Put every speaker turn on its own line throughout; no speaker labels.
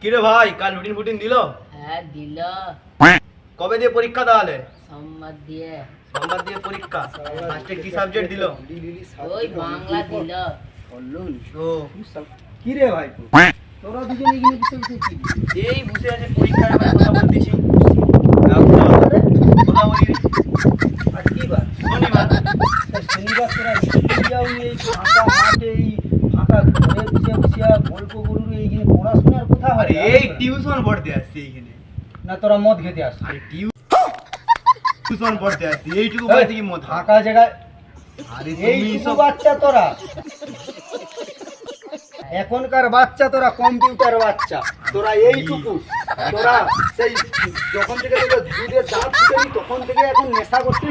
কিরে ভাই কাল রুটিন ফুটিন দিল?
হ্যাঁ দিল।
কবে দিয়ে পরীক্ষা তাহলে?
সোমবার দিয়ে।
সোমবার দিয়ে পরীক্ষা। ফার্স্টে কি সাবজেক্ট দিল?
ওই বাংলা দিল।
ও
কি রে ভাই তোরা দুজনে এখানে বসে বসে কি?
এই বসে আছে পরীক্ষার ব্যাপারে কথা বলতেছি। কথা বলি
আজ কি বার?
শনিবার।
শনিবার তোরা স্কুল যাওনি, এই ফাঁকা মাঠে এই ফাঁকা ঘরে বসে বসে গল্প গরুর এইখানে পড়াশোনার কথা হয়?
আরে এই টিউশন পড়তে আসছি এইখানে।
না তোরা মদ খেতে আসছিস?
আরে টিউশন পড়তে আসছি এইটুকু বয়সে কি মত?
ফাঁকা জায়গায়
আরে
এই
তুমি
সব
সব
বাচ্চা তোরা, এখনকার বাচ্চা তোরা কম্পিউটার বাচ্চা, তোরা এইটুকু, তোরা সেই যখন থেকে তোদের দুধের দাঁত ফুটেনি তখন থেকে এখন নেশা করতে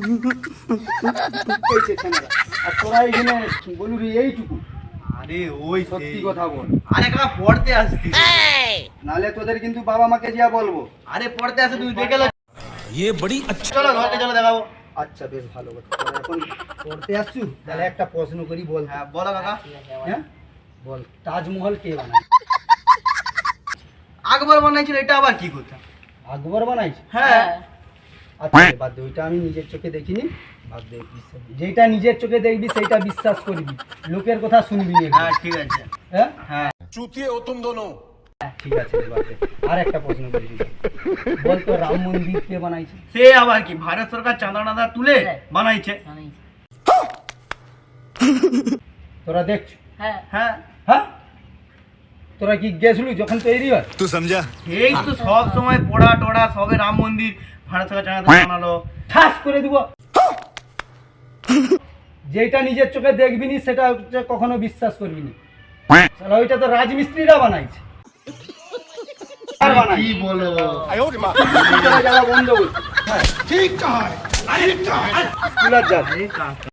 শিখেছে ছেলেরা। আর তোরা এইখানে বলুন এইটুকু,
আরে ওই
সত্যি
সেই।
কথা বল,
আরে কাকা পড়তে আসছি।
নালে তোদের কিন্তু বাবা মাকে যা বলবো।
আরে পড়তে আসে তুমি দেখে লো।
ये बड़ी अच्छी
চলো ঘরকে চলো দেখাবো।
আচ্ছা বেশ ভালো কথা, তোরা এখন পড়তে আসছু, তাহলে একটা প্রশ্ন করি বল।
হ্যাঁ বলো কাকা।
হ্যাঁ বল, তাজমহল কে বানায়?
আকবর বানাইছিল, এটা আবার কি কথা?
আকবর বানাইছে?
হ্যাঁ
আচ্ছা বাদ দে, ওইটা আমি নিজের চোখে দেখিনি, বাদ দে, যেটা নিজের চোখে দেখবি সেইটা বিশ্বাস করবি, লোকের কথা শুনবি না।
হ্যাঁ ঠিক আছে।
হ্যাঁ
হ্যাঁ
चूतिए हो तुम दोनों।
ঠিক আছে, বাদ দে। আর একটা প্রশ্ন করি, বল তো রাম মন্দির কে বানাইছে?
সে আবার কি ভারত সরকার চাঁদা টাঁদা তুলে বানাইছে।
তোরা দেখছ?
হ্যাঁ
হ্যাঁ
হ্যাঁ তোরা কি গেছলু যখন তৈরি হয়?
तू समझा?
এই তো সব সময় পড়া টড়া সবে রাম মন্দির ভারত সরকার চাঁদা বানালো।
ঠাস করে দিব। যেটা নিজের চোখে দেখবি নি সেটা হচ্ছে কখনো বিশ্বাস করবি না। শালা ওইটা তো রাজমিস্ত্রিরা বানাইছে। আর বানাই
কি বলো?
স্কুলে যাওয়া বন্ধ করছে।
ठीक कहा है।
স্কুল আর যাবে।
আরে কাকা